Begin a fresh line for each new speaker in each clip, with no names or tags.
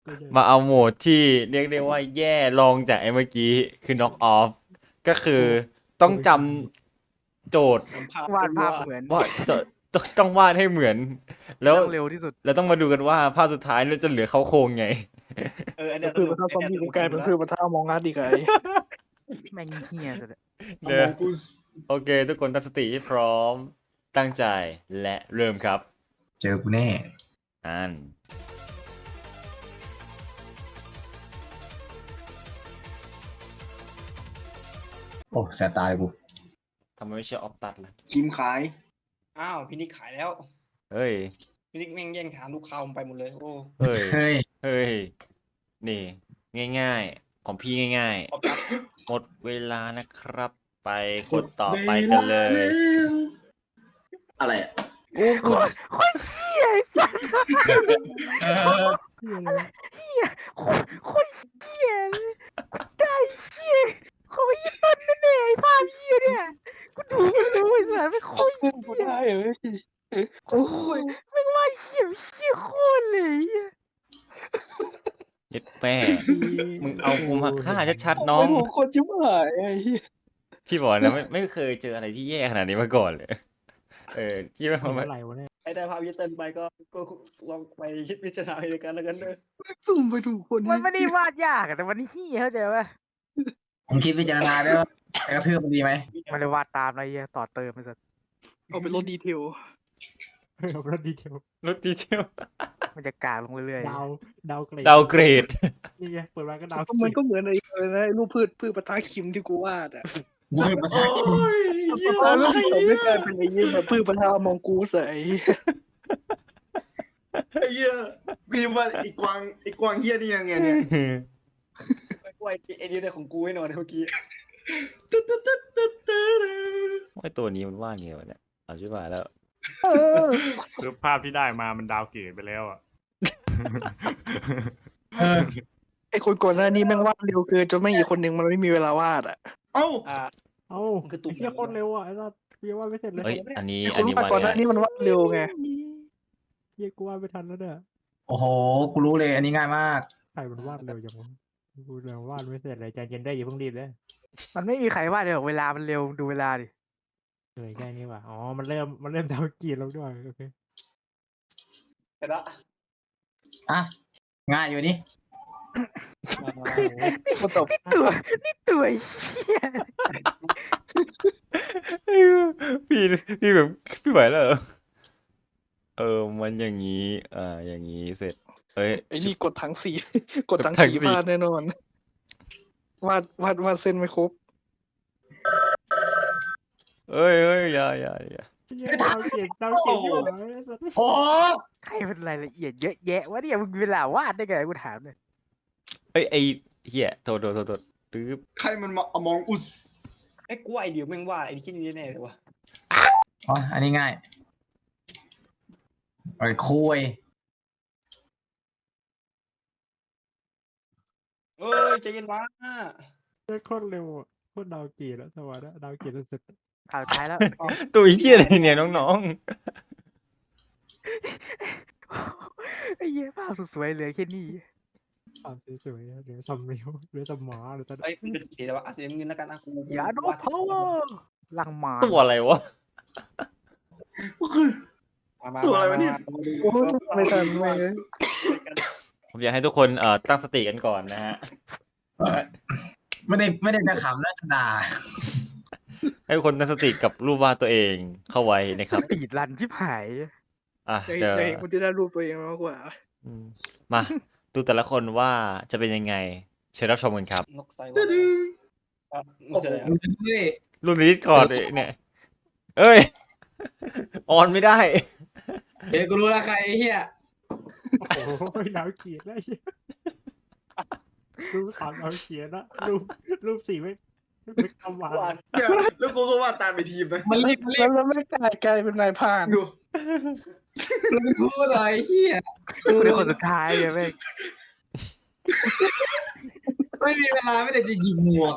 มาเอาโหมดที่เรียกได้ว่าแย่ลองจากไอ้เมื่อกี้คือ knock off ก็คือต้องจำโจทย์
วาดภาพเหมือน
ว่าต้องวาดให้เหมือน แล้ว
ต้องเร็วที่สุด
แล้วต้องมาดูกันว่าภาพสุดท้ายเราจะเหลือเขาโครงไง
อันเนี้ย
คือมันถ้าซอมบี้กูกลายเป็นคือมันถ้ามองงานดีกว่า
แม่งเฮียสุดอะ
เนอะโอเค ทุกคนตั้งสติให้พร้อมตั้งใจและเริ่มครับ
เจอกูแน่
อัน
โอ้แสบตาเลยกู
ทำไมไม่ใช่ออฟตัดล่ะ
คิมขายอ้าวพี่นิกขายแล้ว
เฮ้ย
พี่นิกแม่งแย่งฐานลูกค้าผมไปหมดเลยโอ้
เฮ้ย
เฮ้ย
เฮ้ย นี่ ง่ายๆ ของพี่ง่าย
ขอบคุณ
ๆ หมดเวลานะครับ ไปกดต่อไปกันเลย
อะไรอ่ะ
คนเฮียไอ้สัสคนเฮียเลยกูได้เฮียเขาไม่ยันต้นแน่ๆไอ้ภาพเฮียเนี่ยกูดูไอ้สัสไม่โคตร
ขึ้นกูได้เลย
โอ้ยแม่งว่าเฮียโคตรเลยเฮีย
เย็ดแม่ มึงเอากูมาฆ่าชัดๆน้อง
โคนชิบหายไอ้เหี้ย
พี่บอกนะไม่เคยเจออะไรที่แย่ขนาดนี้มาก่อนเลย พี่ว่ามัน
อะไรวะเนี่ย
ไอ้ได้ภาพยิเตินไปก็ลองไปคิดพิจารณาในการแล้วกันเนอะ
สุ่มไปดูคน
มันไม่ได้วาดยากอะแต่มันเฮียเข้าใจป่ะ
ผมคิดพิจารณาด้วยว่าไอ้กระทืบมันดีไหม
มันเลยวาดตามอะไรเฮียต่อเติมไปสัส
เอาเป็นรถดีเทล
เอารถดีเทล
รถดีเทล
มันจะกากลงเรื่อย
ดาวเกรด
ดาวเกรด
นี่ไงเปิดมาก็ดาว
มันก็เหมือนไอ้นะรูปพืชปะทะคิมที่กูวาดอ่ะ
กูเห็นมาทัก
แล้วรูปที่สองไม่กลายเป็นไอ้ยี่แบบพืชปะทะมองกูใส่
ไอ้เหี้ยพี่ว่าไอ้กวางเหี้ยนี่ยังไงเนี่ย
ไอ้นี่ได้ของกูให้หน่อยเมื่อกี้
ไอตัวนี้มันว่าไงวะเนี่ยเอาชิบหายแล้ว
คือภาพที่ได้มามันดาวเกรดไปแล้วอ่ะ
เออ
ไอ้คนก่อนหน้านี้แม่งวาดเร็วเกินจนไม่อีกคนหนึ่งมันไม่มีเวลาวาดอ่ะ
เอ้า
เอ้าไอ้เหี้ยโคตรเร็วอ่ะไอ้สัสกูยังวาดไม่เสร็จเลย
เฮ้ย อันนี้
ไอ้ค
อัน
น
นี้
วาด
ว่า
ก่อนหน้า
ไง
นี้มันวาดเร็วไง
เหี้ยกูวาดไม่ทันแล้วเนี่ย
โอ้โห กูรู้เลย อันนี้ง่ายมาก
ใครมันวาดเร็วจังวะกูยังวาดไม่เสร็จเลยใจเย็นได้อย่าเพิ่งรีบเลย
ๆมันไม่มีใครวาดเลยหรอกเวลามันเร็วดูเวลาดิ
ใช่นี่ว่ะอ๋อมันเริ่มดาวเกรดแล้วด้วยโอเค
แต่ละ
อ่ะ ง่ายอยู่นี่
มันตบ
ตัวเฮีย
พี่แบบพี่ไหวแล้วเหรอมันอย่างนี้ อย่างนี้เสร็จ เฮ้ย
ไอ้นี่กดถังสีกดถัง
กดถัง
สี
สี
วาดแน่นอนวาดเส้นไม่ครบ
เอ้ยอย่า
เหี้ยดาวเกรดอยู่ไหนไอ้สัส
โอ้
ใครเป็นรายละเอียดเยอะแยะวะเนี่ยมึงมีเวลาวาดได้ไงกูถามเลย
เอ้ยไอเหี้ยโทษตึ๊บ
ใครมันมาอมองอุส
ไอ้กูว่าไอ้เดียวแม่งว่าไอ้ที่นี่แน่เลยวะ
อ๋ออันนี้ง่ายไอ้คุย
เอ้ยใจเย็นวะ
เหี้ยโคตรเร็วอ่ะโคตรดาวเกรดแล้วสวัสดีดาวเกรดแล้วเสร็จ
ข่าวท้ายแล้ว
ตัวเหี้ยอะไรเนี่ยน้อง
ไอ้เหี้ยภาพสวยๆเหลือแค่นี้
ภาพสวยๆเหลือซัมเมลเหลือสมอหรือตอน
ไอ้เดี๋ยวว่าเสียเงินแล้วกันนะกู
อย่าโดนพาวเวอร์ลังหมา
ๆตัวอะไรวะ
ตัวอะไรวะเนี่ย
โอ้ยไม่ทันไม่เลย
ผมอยากให้ทุกคนตั้งสติกันก่อนนะฮะ
ไม่ได้จะขำนะจะด่า
ให้ทุกคนตั้งสติกับรูปวาดตัวเองเข้าไว้นะครับ
ปีดรันชิบหาย
เดี๋ยว
ไอ้คนที่ได้รูปตัวเองมากกว่า
มาดูแต่ละคนว่าจะเป็นยังไง เชิญรับชมกันครับ
นกไซว่ามันคืออะไร
มึงจะด้วย
รูปในดิสคอร์ดเนี่ย เอ้ย ออนไม่ได้
เดี๋ยวกูรู้แล้วใครไอ้เหี้ย
โอ้โหดาวเกรดแล้วเหี้ยรูปสามดาวเกรดนะรูปสี่ไม่คำหวาน
เดี๋ยวแล้วกูก็ว่าตามไปทีมนะ
มันรีบ
แล้วไม่กลายเป็นนายพราน
ดู
มันไม่พูดเลยไอ้เหี้ย
กูเป็นคนสุดท้ายเลยแม่ง
ไม่มีเวลาไม่ได้จะยิงหมวก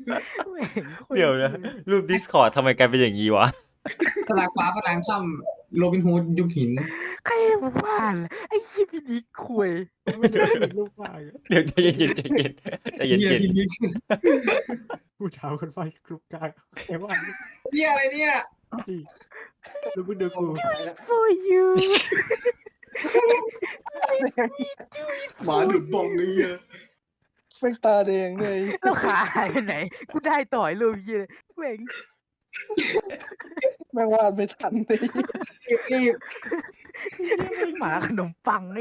เดี๋ยวนะ รูปดิสคอร์ดทำไมกลายเป็นอย่างนี้วะ
สลักฟ้าผนังค่
โรบินฮูดยุคหิน
ใครว่าล่ะไอ้ยี่พี่นิกคุย
ไม่ได้เห็นรูปวาดอะ
เดี๋ยวใจเย็นๆใจเย็นใจเย็น
เฮียพี่นิก
ผู้ถามคนวาดกรุ๊ปกลางใครวาด
เฮียอะไรเนี่ย
ดิดูมึงดูกู
for you
หมาดุดบองเลยเฮีย
แม่งตาแดงเลย
แล้วขาหายไปไหน กูได้ต่อยรูปยี่เลยแม่ง
แม่งวาดไม่ทันเลย
รีบ
หมาขนมปังไอ้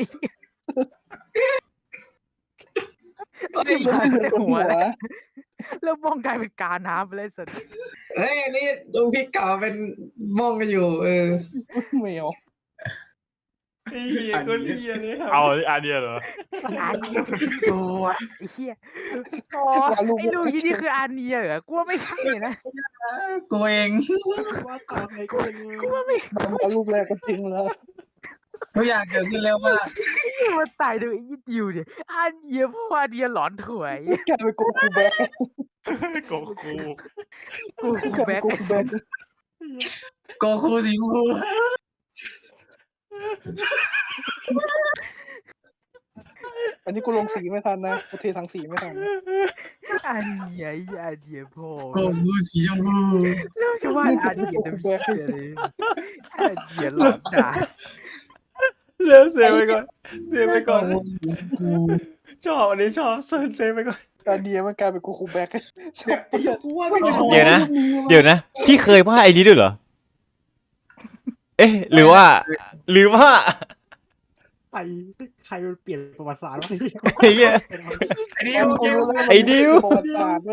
เฮ้ย
หมา
เหมื
ใน
อนหั
หัว
ว
แล้วมองกลายเป็นกาน้ำไปเลยสัตว์
เฮ้ยอันนี้ดูพี่เก่าเป็นบ้องกันอยู่
แมว
ๆไอ้เหี้ยก็เหี้ยเลยครับ
เอาอันเดียวเหรอ
อาเนียตัวไอ้เหี้ยอ๋อไอ้ลูกยี่นี่คืออาเนียเหรอกูว่าไม่ใช่นะ
กูเอง
วาดตามไงก็ไม่รู้
กูว่าไม่
เอาลูกแรกก็ทิ้งแล้ว
ทุกอย่างเกิดขึ้นเร็วมาก
มันตายโดยไอ้ยี่ดิวเนี่ยอาเนียเพราะว่าอาเนียหลอนถวย
กลายเป็นโกคูแบ็ค
โกคู
กู
กลายเป็
แบ็
น
ค
โก
ไอ้
คู
สั
แบ็
ต
ค
ว์
โกคูสีชมพู
อันนี้กูลงสีไม่ทันนะกูเททางสีไม่ทัน
อาเนียไอ้อาเนียพ่อ
โกคูสีชมพู
แล้วจะว่าอาเนียเดวิดเลยอาเนียหลอนด่า
เดี๋ยวเซฟไปก่อนเซฟไป
โก
ก่อน
คูสีชมพู
ชอบอันนี้ชอบเซฟไปก่อน
การเดียมันกลายเป็นโกคูแบ็คชอบ
ไอ้เหี้ยกูว่าไม่
เดี๋ยวนะ เดี๋ยวนะพี่เคยวาดไอ้นี้ด้วยเหรอ เอ๊ะหรือว่า
ใครใครมันเปลี่ยนประวัติศาสตร์วะ
ไอ้เหี้ย
ไอ้ดิวดิว
ไอ้ดิว
ประวัติศาสตร์เลย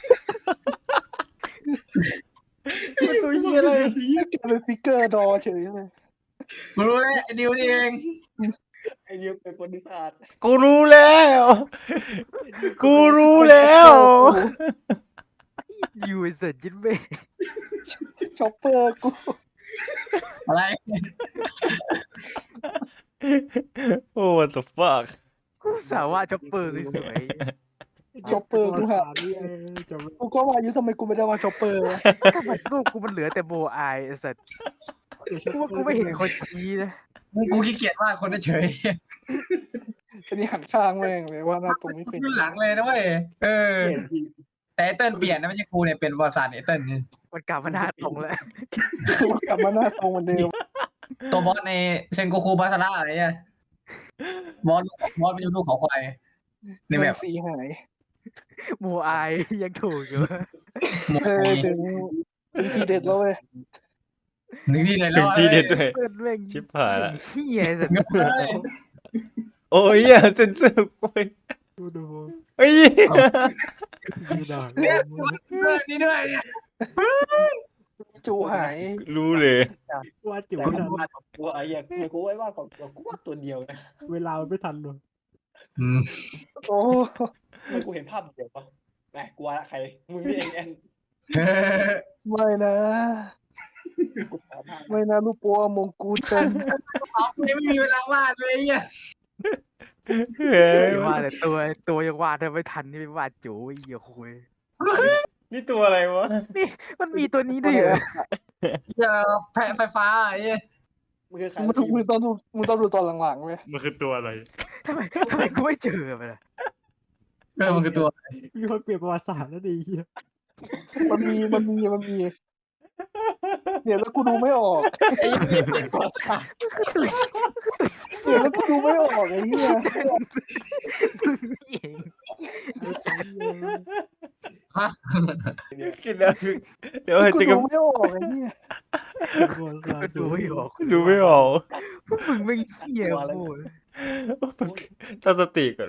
ตัวเหี้ยอะไร
กลายเป็นฟิกเกอร์ดอเฉยเลย
กูรู้แล้วไอ้ดิวนี่เอง
ไอเดียเป็นประวัติศาสตร์
กูรู้แล้วกูรู้แล้ว
ดิวไอ้สัตว์ยิ้มเว้ย
ช็อปเปอร์กู
อะไร
โอ้ what the fuck
กูสาวว่าช็อปเปอร์สวย
ช็อปเปอร์กูหา
นี่จบ
กูก็ว่าอยู่ทำไมกูไม่ได้ว่าช็อปเปอร์วะ
ๆทำไมรูปกูมันเหลือแต่โบอายไอ้สัตว์กูว่ากูไม่เห็นคนชี้นะ
กูขี้เกียจว่าคนเฉย
อันนี้หันข้างแม่งเลยว่าหน้าตรงไม่เป็น
ขึ้นหลังเลยนะเว้ยแต่ไอ้เติ้ลเปลี่ยนนะไม่ใช่กูเนี่ยเป็นวอร์ซานไอ้เติ้ลเนี่ย
มันกลับมาหน้าตรงแล้ว
กลับมาหน้าตรงเหมือนเดิม
ตัวบอสในเซนโกคูบาซาร่าอะไรเนี่ยบอสเป็นลูกเขาควายในแบบ
สีหาย
โบอายยังถูกอยู่
ถึงทีเด็ดแล้วเว้ย
หนึ่งที่เลย
ถึ
แล้ว
งที่เด็ดด้วย
เพื่อนแม่ง
ชิบหายละ
เฮียไอ้สัตว์
โอ้ยอย่าเซนเซอร์กูไป
ดู
เฮ้ย
ดูด่า
เนี่ยนี่ด้วยเนี่ย
จูหาย
รู้เลย
วาดจิ๋ว
แต่
ไม่
กู
ทัน
วาดของกูไอ้เหี้ยกูไว้ว่าของกูวาดตัวเดียวนะ
เวลามันไม่ทันเลย
โอ้
แล้วกูเห็นภาพเดียวปะแหมกูว่าละใครมึงนี่เองแอน
ไม่นะ
กูหาภาพ
ไม่นะลูกปัวมงกูเต็ม
เอาไม่มีเวลาวาดเลยเนี่ย
เฮ้ย
ว่าแต่ตัวยังวาดได้ไม่ทันนี่ไปวาดจูไอ้เหี้ยคุย
นี่ตัวอะไรวะ
มันมีตัวนี้ด้วยเหรอ
อย่าแพ้ไฟฟ้าไอ้เนี่ย
มึงคือใคร
มึงต้องดูตอนหลังๆเว้ย
มันคือตัวอะไร
ทำไมกูไม่เจอมันล่ะ
มันคือตัว
มีคนเปลี่ยนประวัติศาสตร์แล้วดีเฮีย
มันมีเนี่ยแล้วกูดูไม่ออก
ไอ้ยี่เป็นตัวสา
เนี่ยแล้วกูดูไม่ออกไอ้เหี้ย
เองไอ้สัตว์
กินแล้วเดี๋ยว
กู
จะ
ดู
กับ
ไม่ออกไอ้เหี้ย
ประวัติศาสต
ก็
ร์
ดูไม่ออก
ดูไม่ออก
พวกมึงไม่เหี้ยโว้ย
ตั้งสติก่อน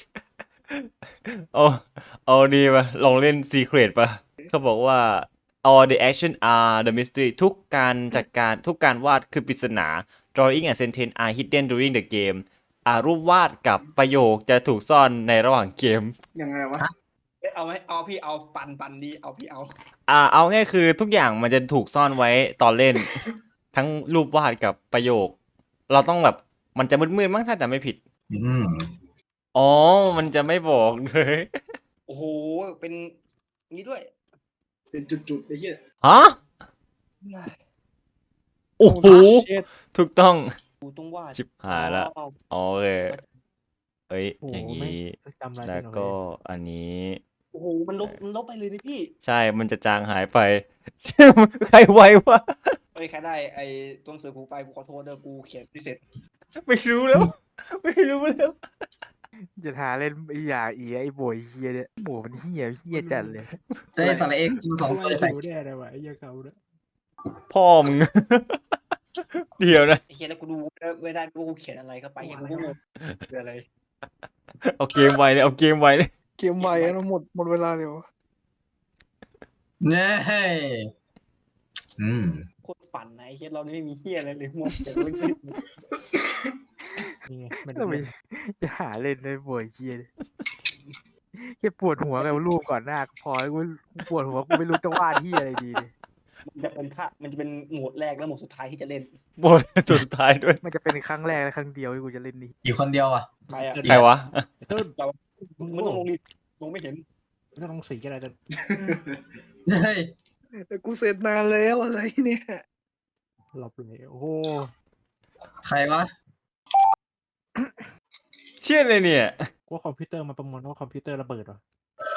เอาดีมาลองเล่น Secret ป่ะเขาบอกว่า all the action are the mystery ทุกการจัดการทุกการวาดคือปริศนา drawing and sentence are hidden during the game รูปวาดกับประโยคจะถูกซ่อนในระหว่างเกม
ยังไงวะ
เอาไหมเอาพี่เอาปันดีเอาพี่เอา
เอาง่ายคือทุกอย่างมันจะถูกซ่อนไว้ตอนเล่น ทั้งรูปวาดกับประโยค เราต้องแบบมันจะมืดๆมั้งถ้าจำไม่ผิด อ๋อ มันจะไม่บอกเลย
โอ้โหเป็นงี้ด้วย
เป็นจุดๆไอ้เหี้ย
ฮะโอ้โห
เช็ด
ถูกต้อง
กูต้องวาด
ชิบหายละ
อ๋อ
โอเคเอ้ย
โอ้โห
อย่างนี้
จำอะไร
แล้วก็อันนี้
โอ้โหมันลบไปเลยนี่พี่
ใช่มันจะจางหายไป ใครไววะ
ไอ้ยใครได้ไอ้ตัวหนังสือกูไปกูขอโทษเด้อกูเขียนไม่เสร็จ
ไม่รู้แล้ว ไม่รู้แล้ว
จะหาเล่นไอ้อย่าอีไอ้โบยเฮียเนี่ยโบมันเฮียจัดเลย
เจ๊สระเอกกินสองตัวเลยไป
ดูแน่เลยว่ะไอ้เหี้ยเขาเนี่ย
พ่อมึง เดี๋ยวนะ
ไอ้เขียนแล้วกูดูไม่ได้กูเขียนอะไรเข้าไปกูก็งงคืออะไร
เอาเกมไวเลยเอาเกมไวเลย
เกมไวแล้วหมดเวลาเร็ว
เนี่ยอืม
โคตรปั่นนะไอ้เขียนเรานี่ไม่มีเฮียอะไรเลยมัวเขียนเรื่องสิ้น
นี่ไงมัน
ทำไมจะหาเล่นไอ้โบยเฮียเนี่ยแค่ปวดหัวกับรูปก่อนหน้าก็พอกูปวดหัวกูไม่รู้จะวาดเฮียอะไรดีเลย
มันจะเป็นโหมดแรกและโหมดสุดท้ายที่จะเล่น
บทสุดท้ายด้วย
มันจะเป็นครั้งแรกและครั้งเดียวที่กูจะเล่นนี่
อีกคนเดียวอ่ะ
ใครอะ
ใครวะ
ไอ้ต้น
มึงต้องลงดิลงไม่เห็น
ไม่ต้องสีกันอะไรแต่
เฮ้ย
แต่กูเสร็จนานแล้วอะไรเนี่ย
หลบเลยโอ้โห
ใครวะ
เชี่ยเลยเนี่ย
กลัวคอมพิวเตอร์มาประมวลว่าคอมพิวเตอร์ระเบิดเหรอ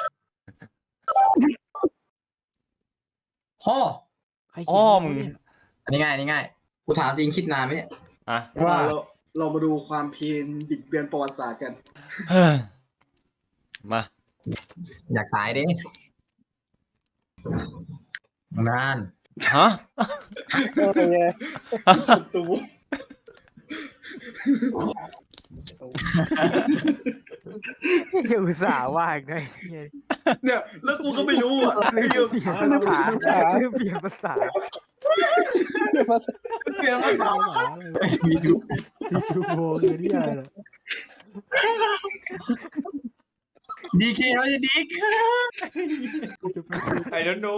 พ่อ
ใครเขียน
อ้อมึง
เนี่ย
อันนี้ง่ายอันนี้ง่ายกูถามจริงคิดนานไหมเนี่ย
อ่ะ
ว่า
เรามาดูความเพียรบิดเบือนประวัติศาสตร์กัน
เฮ้ยมา
อยากตายดินาน
ฮะ
ตู
ยังอุตส่าห์ว่าอีกไงเหี้ย
เนี่ยแล้วกูก็ไม่รู้อ่ะ
เปลี่ยนภาษาเปลี่ยนภาษา
เปลี่ยนมาสอง
มีทูโบคือที่อะไรล่ะ
ดีเคเขาจะดิก
กูจะไป
I don't know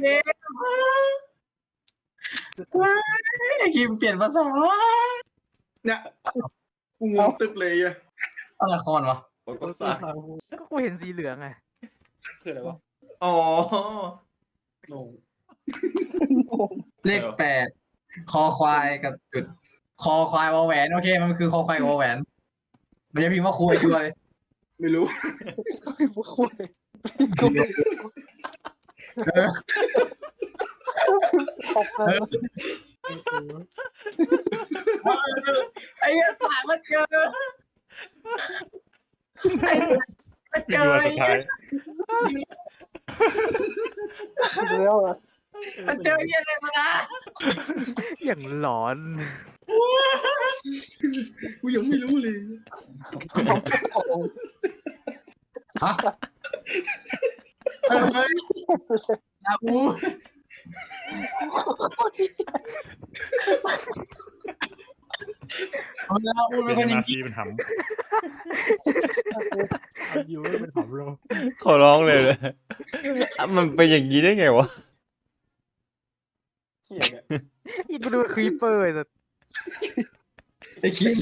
ไอ้คิมเปลี่ยนภาษา
เนี่ยกูงงตึ๊บเลยอ่ะ
อะไรละครวะ
บทภาษา
ก็กูเห็นสีเหลืองไง
คืออะไรวะ
อ๋อ
งง
เลข8 คอควายกับจุด คอควายวอแหวนโอเคมันคือคอควายวอแหวนมันจะพิมพ์ว่าคุยชัวร์เลย
ไม่รู้
ไอ้เหี้ยผ่านมันเจอไอ้มันเจ
นี่
อ
คือวันสุดท้าย
แล้วอ่ะ
มันเจอเหี้ยอะไรมานะ
อย่างหลอน
กูยังไม่รู้เลย
ฮะเฮ้ยนาอูเอานาอู
เป็
เป็นคน
น
ยิ
นาง ซีเป็นห
เอาอยู่ไม่เป็นหอมโล
ขอร้องเลยนะมันเป็นอย่างนี้ได้ไงวะ
เฮียเนี่ย
อีกกูดูครีปเปอร์ไอ้สัส
ไอ้คิง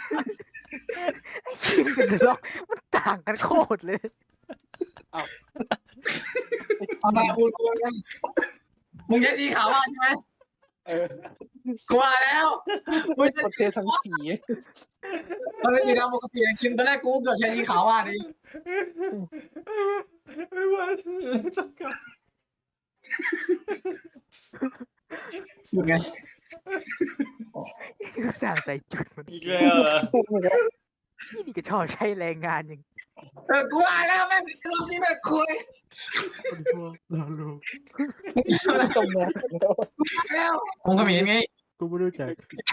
คิมกับเดล็อกมันต่างกันโคตรเลย
เอานาอูกูเลยมึงใช้สีขาวใช่ไหม
เออ
กูว่าแล้วมึงจะ
ประเทศทั้งสี
มันเป็นสีดำปกติคิมตอนแรกกูเกือบใช้สีขาวว่าดิ
ไม่ไหวจับกัน
ยังไง
กูสั่งใส่จุดมัน
อีกแล้วเหรอ
นี่ก็ชอบใช้แรงงานอย่าง
กูว่าแล้วแม่งรอบนี้แม่งคุย
คนชั่วเราลูก
ตรงนั้นแล้ว
แล้วผมก็มีไง
กูไม่รู้จัก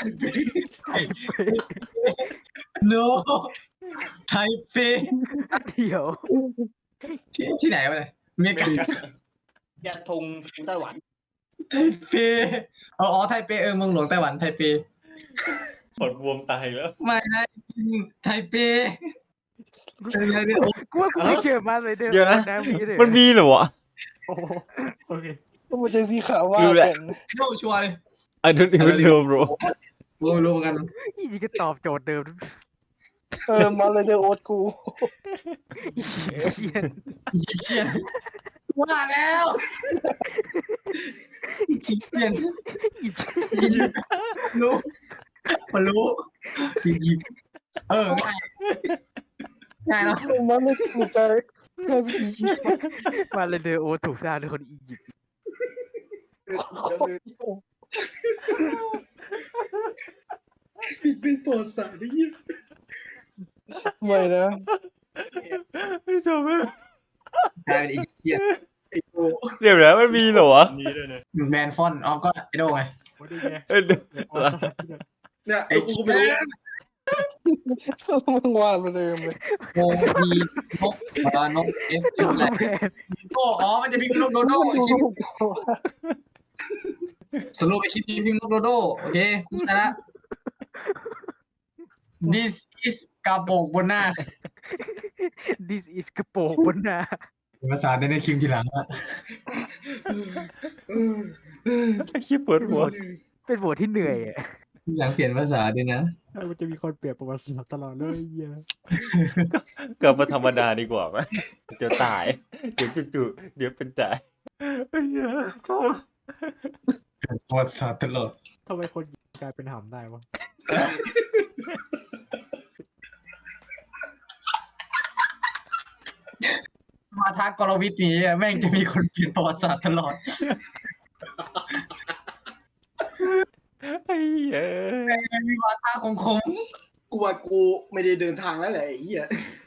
โนไทเป
เดี๋ยว
ที่ไหนวะเนี่ยเมกา
ยาธงไต้หวัน
ไทเปอ๋อไทเปเมืองหลวงไต้หวันไทเป
ปวดบวมตายแล้ว
ไม่ได้ไทเปเป็นไงเนี่ย
กูว่ากูไม่เจอมาเลยเดิม
เดี๋ยวนะ
มีเลย
มันมีเหรอวะ
โอ้โหโอเค
ก็มันใช้สีขาวว่า
รู้แหละ
แต่ง
โนชัวร์เลย
I don't even know bro
รู้เหมือนกัน
นี่ก็ตอบโจทย์เดิม
มาเลยเดอโอ๊ตกู
อีเชียน
ยิปเชียนว่าแล้วชิคเก้นรู้มันรู้อียิปต์ง่ายง่ายเนาะ
มันไม่ถูกใจแค่วิธี
มาเลเดอร์โอถูกสร้างโดยคนอียิปต์
เป็นปอดสารนี่
ไม่นะ
ไม่จบเลย
กลายเป็นอียิปต์
ไอ้โต
เดี๋ยวนะมันมีเหรอวะ
นี้ด้วยนะ
แมนฟอนอ๋อก็ไอโดไง
ว่าได้ไง
เออ
เนี่ย
ไอ้
กูก็ไม่รู้
มึงวาดมาเลยเลย
โอพีนกนกเอฟอะไรโอ้อ๋อมันจะพิมพ์นกโดโดไอคลิปสรุปไอคลิปนี้พิมพ์นกโดโดโอเคกูชนะ This is กระโปรงบนหน้า
This is กระโปรงบนหน้า
ภาษาในคลิปทีหลังอะ
ไอ้ขี้ยปวดหัว
เป็นบทที่เหนื่อยอะ
ทีหลังเปลี่ยนภาษาด้วยนะ
มันจะมีคนเปลี่ยนประวัติศาสตร์ตลอดเลยเหี้ย
กลับมาธรรมดาดีกว่าไหมเดี๋ยวตาย เดี๋ยวจู่ๆเดี๋ยวเป็นตายไอ้เหี้ยชอบ
ประวัติศาสตร์ตลอด
ทำไมคนกลายเป็นหำได้วะ
มาทักกรวิทย์นี้แม่งจะมีคนเปลี่ยนประวัติศาสตร์ตลอด
ไอ้เหี้ย
มีวาทะคง
กูว่ากูไม่ได้เดินทางแล้วแหละไอ้เหี้ย
ๆ